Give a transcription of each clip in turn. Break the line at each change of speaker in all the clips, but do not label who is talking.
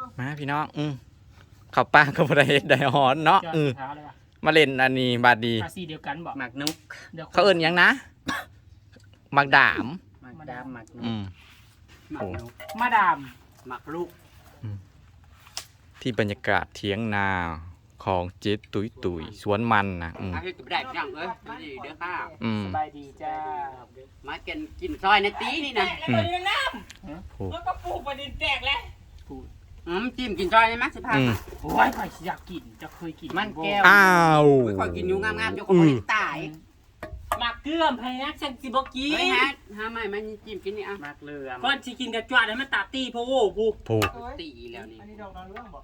มาพี่น้องข้าวปลาก็บ่ได้เฮ็ดได้ฮ้อนเนาะมาเล่นอันนี้บาดดี
ภาษีเดียวกันบอก
หมักนุก
เขาเอิ้นหยังนะหมักดาม
หมักดามหมักนุกหมักนุก
มาดาม
หมักลูก
ที่บรรยากาศเถียงนาของเจ๊ตุยสวนมันนะ
อาให้กับได้จังเอ้ยดีเด้อค่ะ
สบายดีจ้า
มากินซอยในตีนี่นะ
แล้วก็ปลูกประเด็นแตกแล้ว
จิ้มกินซอยได้มั้ยสิพา
โอ้ยใครอยากกินจะเคยกิน
มันแก้ว
อ้าว
ค่อยกินอยู่งามๆอยู่ก็บ่ตาย
หมักเกลือมพยักฉันสิบ่กิน
เฮ้ยฮะหาใหม่มันจิ้มกินนี่อ่ะ
หมักเกลือก่อนสิกินกระจวดให้มันตาตีโพโว้กู
ตีแล้วนี่
อันนี้ดอกดาวเรืองบ่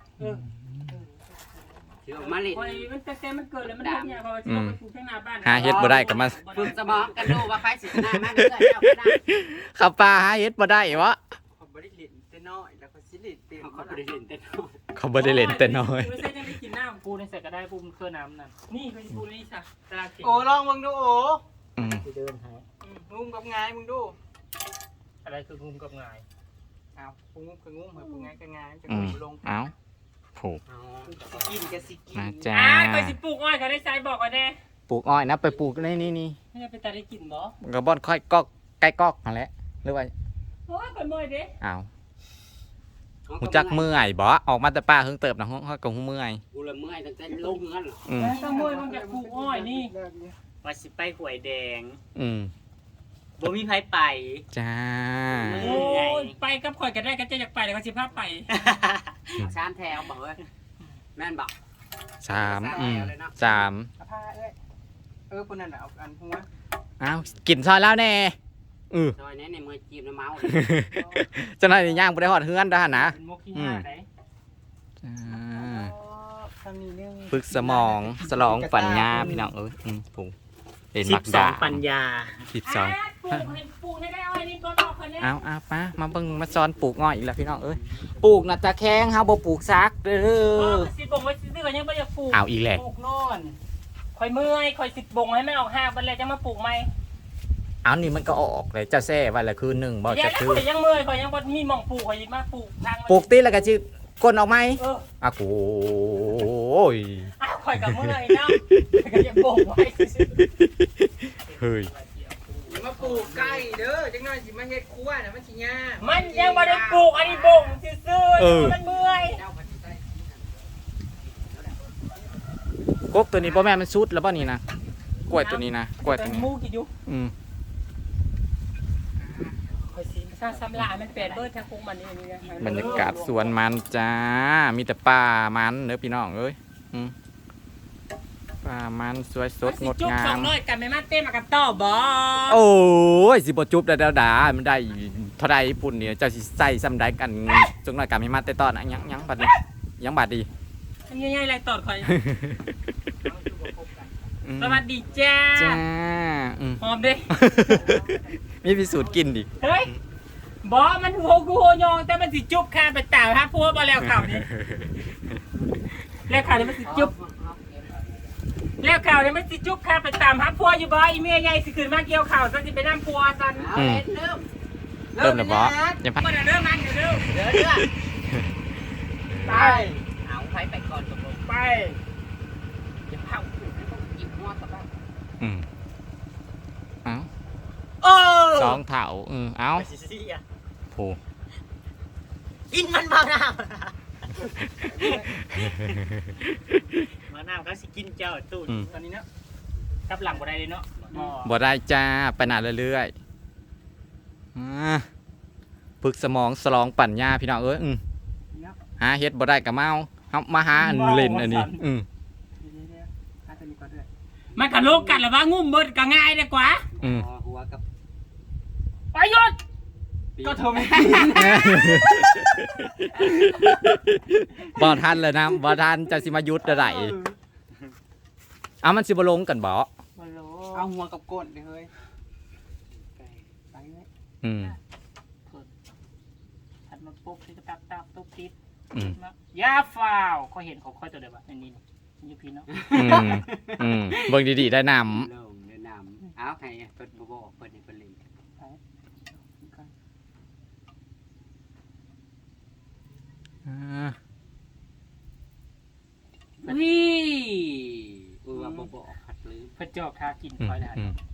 เดี๋ยวมาเล่น
มันแต่มันเกิดแล้วมันทุกอย่างเพราะว่าสิลงไปปลูกข้างหน้าบ้าน
หาเฮ็ดบ่ได้ก็มา
ฝึกสมองกันดูว่าใครสิชนะมาเรื่อยๆเจ้าก็ได้
ข้าวปลาหาเฮ็ดบ่ได้วะ
เขาบ่ได้เล่นแต่น้อยแล้วก็สิเล่นเต็มเขาบ่ได้เล่นแต่น้อย
เขาบ่ได้เล่นแต่น้อย
ไม่ใช่จะได้กินน้ำปูในใส่ก็ได้ปูมันเคยน้ำนั่นนี่เป็นปูนี่จ้ะตลาดเก่ง
โอ้ลองมึงดูโอ้
เดินหา
งุ้มกับไงมึงดู
อะไรคืองุ้มกับไง
อ้าวงุ้มกับงุ้มเหมือนไงกับไงจะงุ้มลง
เอ้าผูก
กินจะสิกิน
มาจ้า
ไปสิปลูกอ้อยเขาได้ใส่บอกกันแน่
ปลูกอ้อยนะไปปลูกนี่
ไม่ได้ไปตัดได้กินบ่
กระบ่อนค่อยกอกใกล้กอกนั่นแหละหรือว่า
โอ้ยไปเมื่อยเด้
อ้าวหูจักเมื่อยบ่ออกมาแต่ป้าเพิ่งเติบนะห้องกับหูเมื่อย
กูละเมื่อยตั้งแต่ลงเงินหรอ
ต้องเมื่อยมันจะปลูกอ้อยนี่ว่าสิไปหวยแดงบ่มีไผไป
จ้า
โอ้ยไปกับข่อยก็ได้ก็จะอยากไปแต่ก็สิพาไป
3แถวบอกเอ้ยแม่นบอก
3
ผ้าเอ้ยคนนั้นเอาอันหัว
อ้าวกินซอยแล้วแน่
ซอยนี้ในมือจีบน้ำเมา
เจ้าหน้าที่ย่างบ่ได้ฮอดเฮือนด้านนะฝึกสมองสลองปัญญาพี่น้องผูกเห็นมักดา
ปัญญา
12
ปลูกให้ได้อ้อยนี่ก็ดอกคนนี้
เอาป้ามาเบิ่งมาสอนปลูกอ้อยอีกแล้วพี่น้องปลูกน่ะตะแคงเฮาบ่ปลูกซักเด้อ
สิบ่งไว้ซื่อๆก็ยังบ่อยากปลูก
เอาอีกแหละ
ปลูกนอนข่อยเมื่อยข่อยสิบ่งให้มันออกหากบัดแล้วจะมาปลูกใหม่
เอานี่มันก็ออกเลยจะแซ่ไว้ละคืนนึงบ่จะคือ
ข่อยยังเมื่อยข่อยยังบ่มีหม่องปลูกข่อยมาปลูกทาง
ปลูกติแล้วก็สิก้นออกมั้ยโอ้ย
ข่อยก็เมื่อยเนาะก็ยังบ่งไว้
เฮ้ย
มาปลูกไก่เด้อจังหน่อยสิมาเฮ็ดครัวน่ะมันสิยาก
มันยังบ่ได้ปลูกอันนี้บ่งซื่อๆมันเมื่อย
กบตัวนี้บ่แม่มันสุดแล้วบ่นี่นะกล้วยตัวนี้นะกล้วยตัวนี้
มูกินอยู่ข่อยสิสร้างสำลามันแปดเบิดทางคงมันนี่นะ
บรรยากาศสวนมันจ้ามีแต่ป่ามันเด้อพี่น้องเอ้ยป่ามันสวยสดงดงาม
200กันไม่มาเต้นมากันต่อบ่
โอ้ยสิบ่จุบได้ดามันได้เท่าใดปุ่นเนี่ยเจ้าสิใส่ซ้ำใดกันจังน้อยกันไม่มาเต้ตอนน่ะยังบัดนี้ยังบัดดี
ง่ายๆไรตอดข่อยสวัสดีจ้าหอมดิ
มีพิสูจน์กินดิ
เฮ้ยบอมันหัวกูโหยองแต่มันสิจุบคาไปต่างฮะพัวบอแล้วข่าวนี้แล้วข่าวนี้มันสิจุบแล้วข่าวนี้มันสิจุบคาไปตามฮะพัวอยู่บ่อีเมียใหญ่สิขึ้นมาเกี่ยวข่าวซะสิไปน้ำพัวซัน
เริ่มแล้วบอ
ยังพักเริ่มมันเดี๋ยวไป
เอาไปก่อนตกลง
ไป
จะเผาต้องหยิบหัวตะบ้า
2 เถาเอาโผ
กินมันมะนาวมะนาวก็สิกินเจ้าตู้ตอนนี้เนาะกับหลังบ่ได้เลยเนาะ
บ่ได้จ้าไปหน้าเรื่อยๆฝึกสมองสลองปัญญาพี่น้องเอ้ยหาเฮ็ดบ่ได้ก็เมาเฮามาหาเล่นอันนี้
มันก็โลกกันแล้วว่างุ่มเบิดก็ง่ายดีกว่า
หัวกับ
ไปหยุดก็เธอไม่
บ่ทันเลยนะบ่ทันจะสิมายุดได้เอามันสิบ่ลงกันบ่
เอาหัวกับก้นเฮ้ย
ไปเลยถัดมาปุ๊บที่จะตับตุ๊บติดยาฟาวเขาเห็นเขาค่อยตัวเดียวในนี้อยู่พี่เนาะ
เบิ่งดีๆได้นำ
เอาใครเปิดบ่เปิดนี่เปิดลิง
อ่า
วิ
ว่าบ่บอกผัดลืม
พระเจ้าทากินคอยได้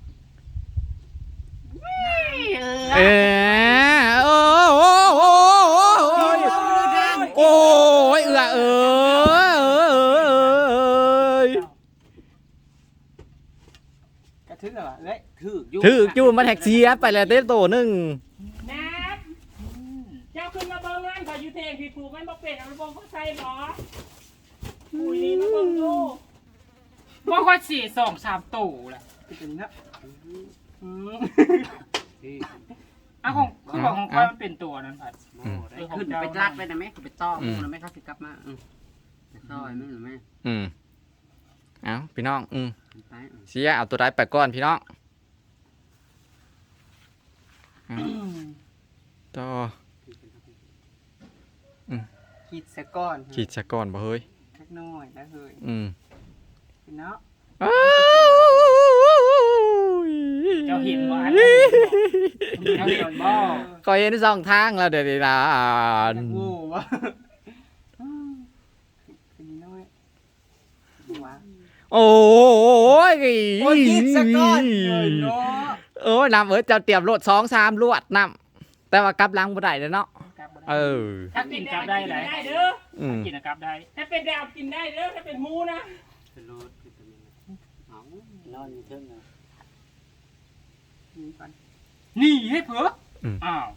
เออโอ้โอ้โอ้โอ้ยเอื้อเอ้ย
กระทึกเหรอเอ้ย
ถือจูมันแท็กซี่ไปแล้วเต้โตหนึง
นับเจ้าขึ้นมาเบิ่งงานขออยู่เทงพี่ผูกมันบ่เป็นเอาไปบ่เขาใส่บ่อุ้ยนี่มาเบิ่งดูบ่ค่อยสิ2-3ตู้แหละ
เป็นนะ
อ่ะของคือบอกของข้อยมันเป็นตัวนั้นผัด
ขึ้นไปรัดไปนะแม่ไปต้อมนะแม่เขาสิกลับมาซอยมั้งหรือแม่
เอาพี่น้อง
ไป
เสียเอาตัวใดไปก่อนพี่น้องต่อ
คิดซะก่อน
ขีดซะก่อนบ่เฮ้ย
สักน้อยแล้วเฮ้ยเนาะ
เจ้าเห็นบ่อันเจ้าเห็นบ่
ก็เห็นสองทางแล้วเดี๋ยวนี้ล่ะ
โว้วะเป็นน้อยว้า
โอ้ย
โอ้ยคิดซะก่อนเนาะ
เออนำเจ้าเตรียมรถ2-3ลวดนำแต่ว่ากลับหลังบ่ได้เนาะเออ
ถ้ากินกลับได้ไหนเด้อ
อืม
กินกลับได้ถ้าเป็นดาวกินได้เด้อถ้าเป็นหมูนะ
เป็นรถเอานอนอยู่เทิงนะ
นี่ก่อน
นี่ให้เผืออ้าว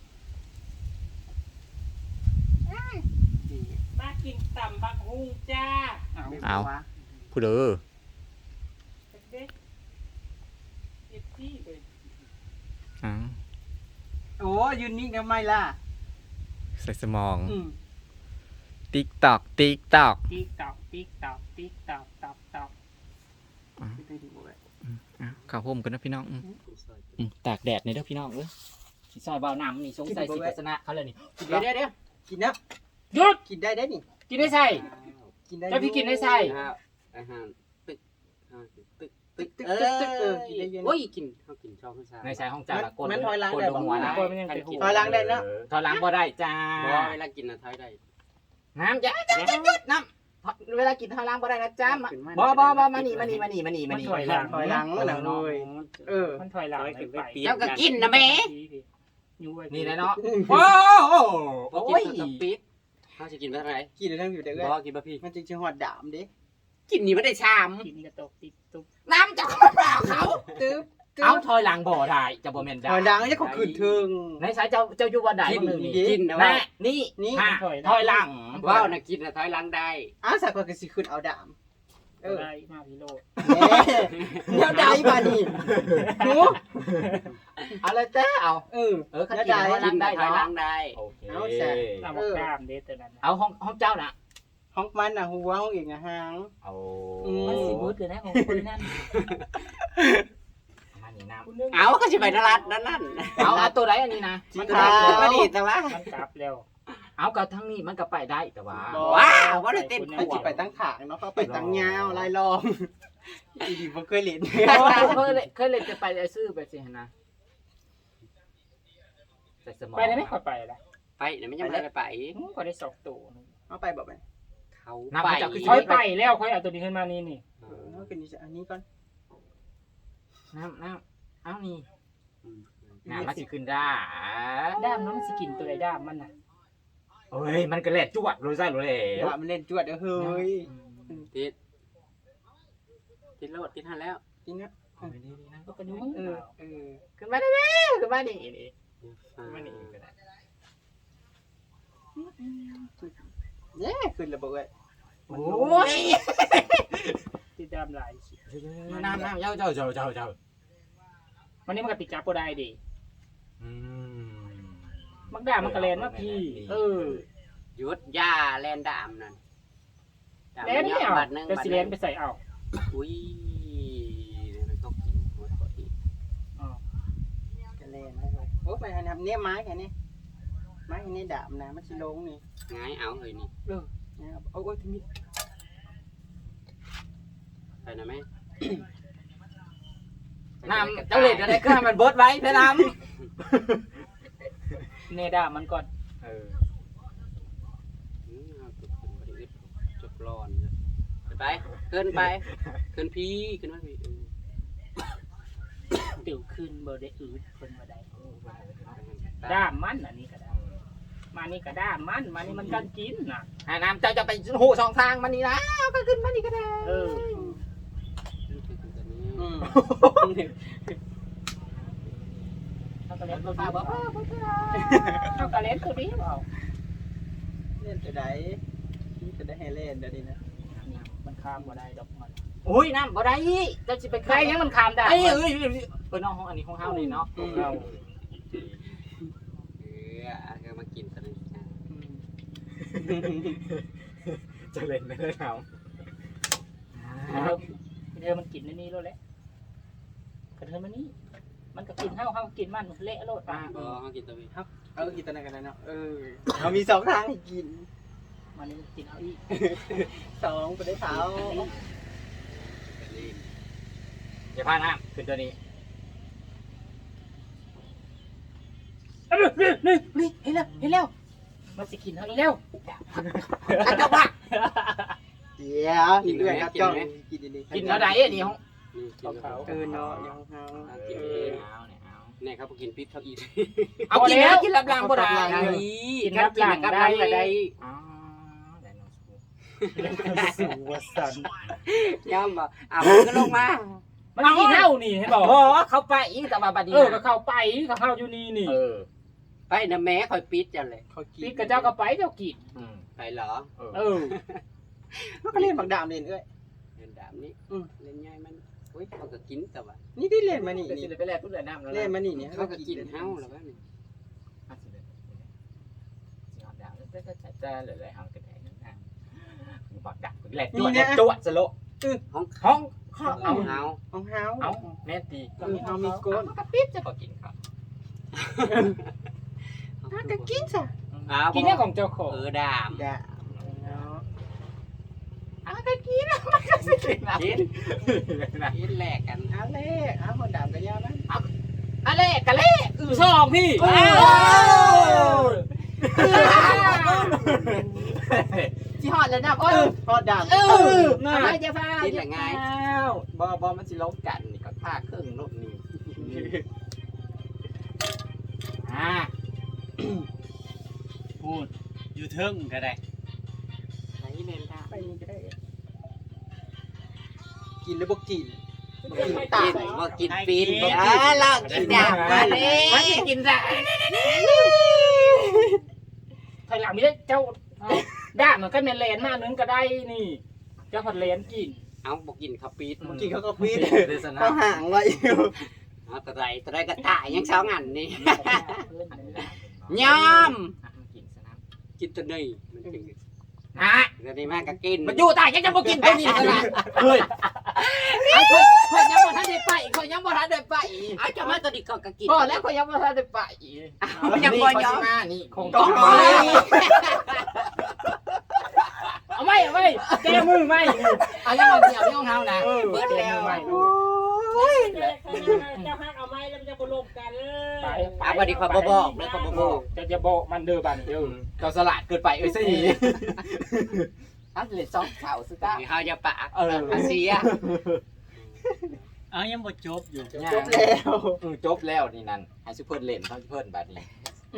มากินตำบักฮุงจ้า
เอาผู้เด้อ
เด็กเด็กที่เลย
เอา
โอ้ยืนนิ่งทำไมล่ะ
ใส่สมองติ๊กตอกติ๊กตอก
ติ๊กตอกติ๊กตอกติ๊กตอกตอกตอก
ข้าวห่มกันนะพี่น้องตากแดดในเด้อพี่น้องสิซอยบ่าวน้ำนี่สงสัยสิโฆษณาเขาเลยนี่
เดี๋ยว
กินนะ
หยุด
กินได้นี่
กินได้ใส่
กินได้
เจ้าพี่กินได้ใส่
อาหารตึกตึก
โอ้ย
กินเขากินชอบผู้ชาย
ในสายห้องจ่าละก
มันถอยหลัง
คน
ได้
ล
บ่
งหัวนะ
ถอยหลังได้เนาะ
ถอยหลังบ่ได้จ้า
บ่เวลากินนะถอยได้
น้ำจ้าน้ำเวลากินถอยหลังบ่ได้นะจ้าบ่มานี่
มันถอยหลัง
ถอยหลังนะเลย
มันถอยหลังไป
เจ้าก็กินนะแม่
นี่แหละเนาะ
โอ้โอ้ยปิดเขาจะกินไปเท่าไหร่
กินได้ทั้งอยู่เด้อ
บ่กินบะพี่
มันจึงจะหอดดามเด้
กินนี่ไม่ได้ชาม
กินกระตกติดตุ๊บ
น้ำจะคนเปล่าเขา
ตึ๊บ
เอาถอยหลังบ่ได้จะบ่แม่นได้
ถอยหลังจะเขาขึ้นถึง
ในสายเจ้าอยู่บ่ได้
กินนะ
แม่
ว่า
นี่ถอยหลัง
ว้าวนะกินนะถอยหลังได้
อ้าวสักคนก็สิขึ้นเอาดาม
ได้มาพิโรด
เดี๋ยวได้ป่ะนี่หู
เอาเลยเต้เอา
เขากินถอยหลังได้
ถอยหลังได้
โอเค
เอาแซ่
ตามบอกกล้ามเด็ดแต่นั้น
เอาห้องเจ้าน่ะ
ห้องมันน่ะหัวห้องอีกนะหาง
เอา
มันสีบูดเลยนะของคนนั่น
มานี่น้
เอาก็จะไปนรัดนั่น
ำเอาตัวไหนอันนี้นะ
มัน
ถามมาดีแต่ว่า
มันกลับแล้ว
เอากับทั้งนี้มันก็ไปได้แต่ว่า
ว้าวว่าได้เต้น
ไปจิไปตั้งขางเนาะเขาไปตั้งยาวลายลองอีดีบ่เคยเล่น
เคยเล่นจะไปซื้อไปสินะใส่สมอง
ไปได้ไหมขอไปละ
ไปเดี๋ยวไม่ยังไม่ได้ไป
ก็ได้2ตัว
เอาไปบอกไป
เขา
ค่อยไปแล้วค่อยเอาตัวนี้ขึ้นมานี่นี่
เอาขึ้นนี่อันนี้ก่อน
น้ำเอานี่น้ำมันสิขึ้นได้
ด้ามน้องสิกินตัวใดด้ามมันน่ะ
เฮ้ยมันก็แหลกจวดรู้ใช่หรือเปล่า
ว่ามันเล่นจวดเด้อเฮ้ย
ติดโลดติดหันแล้ว
จริงนะ
ก็กระดุม
ขึ้นมาได้ไหมขึ้นมานี่นี่มานี่ก็ได้
เย้ขึ้นระเบิด
โอ้ย
ติดด้ามลาย
น้ำเจ้า
วันนี้มันก็ติดจับบ่ได้ดิมักด้ามมันกระเลนมาพี่
หยุดยาแลนดามนั่น
แลนไม่เอาแต่สิแลนไปใส่เอา
อุ้ยมันก็กินหมดอีก
กระเลนนะครับโอ้ไปทำเนี่ยไม้แค่นี้ไม้นี่ดามนะมันสิลงนี่
ง่ายเอาเลยนี่
นะครับโอ้ยทีนี้
ไปนะแม่
น้ำเจ้าเล็ดอะไรก็ให้มันเบิดไว้เพื่อน้
เนด้ามมันก่อน
ำ
ร้อนไปขึ้นไปขึ้นพี่ขึ้นมาพี่
ติวขึ้นบ่ได้อืดเพิ่นบ่ได้ด้ามมันอันนี้ก็ได้มานี่ก็ด้ามมันมานี่มันกันกินน่ะ
น้ำเจ้าจะไปหูสองทางมันนี่นะก็ขึ้นมานี่ก็ได้
เออ
อืม
เฮาก็เล่นตัวนี้บ่เฮาก็เล่นตัวนี้บ่
เล่นจะได้จะได้ให้เล่นเดี๋ยวนี้นะ
มันข้ามบ่ได้ดอกมัน
อุ้ยน้ำบ่ได้เจ้าสิไป
ใครยังมันข้ามได้
เอ้ยน้องห้องอันนี้ห้องเฮานี่เนาะ
เรา
ก็มากินตอนนี้
จะเล่นไม่ได้เอา
เดี๋ยวมันกินในนี้แล้วแหละกระเทินมันนี่มันก็กินเฮากินมันเละโลดมา
เขากินตัวนี้
กินตอนนั้นกันเนาะเรามี2ทางให้กิน
มันนี่มันกินเอาอีก
2ไปได้เท้า
อย่าพลาดน้ำขึ้นตัวนี้
นี่เห็นแล้วมันสิกินเฮาอีกแล้ว
เจ้าบ้า
เดี๋ยวกินด้วยครับจ้องกินดีๆ
กินแล้วใดนี่ห้อง
เนาะยังเฮา
กิน
เอาเนี่ยเอา
เนี่ยครับกินพิษเขาอีก
เอากินแล้วกินรับรางบ่ได้
กินรับหลังได้
อ๋อได้น้องสู
สู่วสัน
ย่ำบ่ก็ลงมา
มันกินเฮานี่เห็นบ่
โอ้เขาไปอีกแต่ว่าบัดนี้
ก็เข้าไปก็เข้าอยู่นี่นี่
ไปนะแม่คอยปิดจังเลย
เขากิน
พี่กับเจ้าก็ไปเจ้ากิน
ไปเหรอ
มันก็เล่นบักดามเล่นเอ้ย
เล่นดามนี้เล่นง่ายมันอุ้ยเขาก็กินแต่ว่า
นี่ได้เล่นมานี่
ก็สิได้ไปแลกผู้ใดน้ำแล้ว
เล่นมานี่เนี่ย
เขาก็กินเฮาแล้วก็นี่
สิหอดดาวแล้วจะหลายๆห้องกระแทกนั่นนะบักดักแหลกจั่วสโล
ห้อง
ห้อง
เอาเฮา
ของเฮา
เอาแม่ตี
เฮามีก้น
กระปิ๊บจะก็กินครับ
ถ้าก็กินซะ
กินเนี่ยของเจ้าของ
ดาม
ด่าเนาะ
ก็กินมันก็สิกินนะ
กินกินแลกกัน
เอาเล่เอาคนดามกันยาวนะ
อะไรกะเล่ซองพี่ที่หอดเลยนะโอ้ย
พอดาม
ไม่จะพา
กินยังไง
บอมันสิล้มกันนี่ก็ฆ่าเครื่องรถนี่
พูดอยู่เทิงก็ได้
ใช้เน้นท่า
ไปนี่ก็ได้กินแล้วบ่กิน
กินว่ากินปีนลองกินดามมาเลย
มันจะกินได้
ถอยหลังไม่ได้เจ้าด้ามันก็เมนเลนมานึงก็ได้นี่เจ้าผัดเลนกิน
เอาบอกกินข้าวปีด
บ่กินเขาก็ฟีด
เดซนะ
เขาห่างไว้อยู่
เอาแต่ไรก็ถ่ายยังสองอันนี่ยอม
กินซะนะ
กินตัวนี้มันเป็น
อ่ะ
ตัวนี้มากก็กิน
มันอยู่ตายยังจะมากินตัวนี้ขนาดเฮ้ยคนยังบ่ทันได้ไปคนยังบ่ทันได้ไป
เอาจะมาตัวนี้ก็กิน
พอแล้วคนยังบ่ทันได้ไป
ยังบ่ยอม
นี่คง
ต้อง
เอาไม่แก้มือไม่
เอายังเอาเดียวที่ห้องเฮานะ
เบิดแล้ว
เจ้าฮักเอาไม้แล้วมันจะบลงกันเลย
เอาวันนี้ขอบอกแล้วขอบอก
จะบอกมันเด้อบันเด้อ
เราสลัดเกินไปสิอันเลยซอกข่าวสุดท้าย
เขาจะปะอาเซีย
ยังบ่จบอยู่
จบแล้ว
จบแล้วนี่นั่นให้ซุเพิ่นเล่นทั้งเพิ่นบัดนี้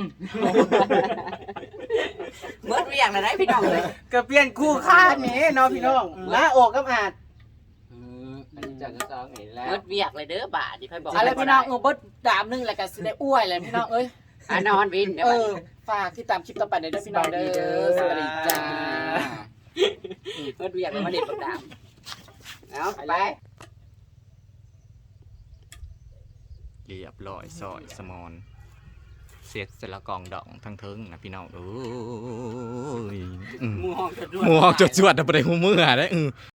เมื่อเรียงเลยได้พี่น้องเลย
ก็เปลี่ยนคู่ค่านี่เนาะพี่น้องลาออกกับอาด
อันนี้จะซองเห็นแล้ว
เมื่อเรียกเลยเด้อบาทที่พี่บอก
อะไรพี่น้องเบิดดามนึงแล้วก็สิได้อ้วยเลยพี่น้องเอ้ย
นอนวิน
ฝากที่ตามคลิปต่อไปในด้วยพี่น้องเด้อสวัสดีจ้า
เมื่อเรียกเลยมาเด็ดประดามเอาไป
เรียบร้อยซอยสมอนเสียสละกองดองทั้งเทิงนะพี่น้องเอ้ย
มูห้องจะด้วย
หมูออกจดจวดแต่บ่ได้หูมือได้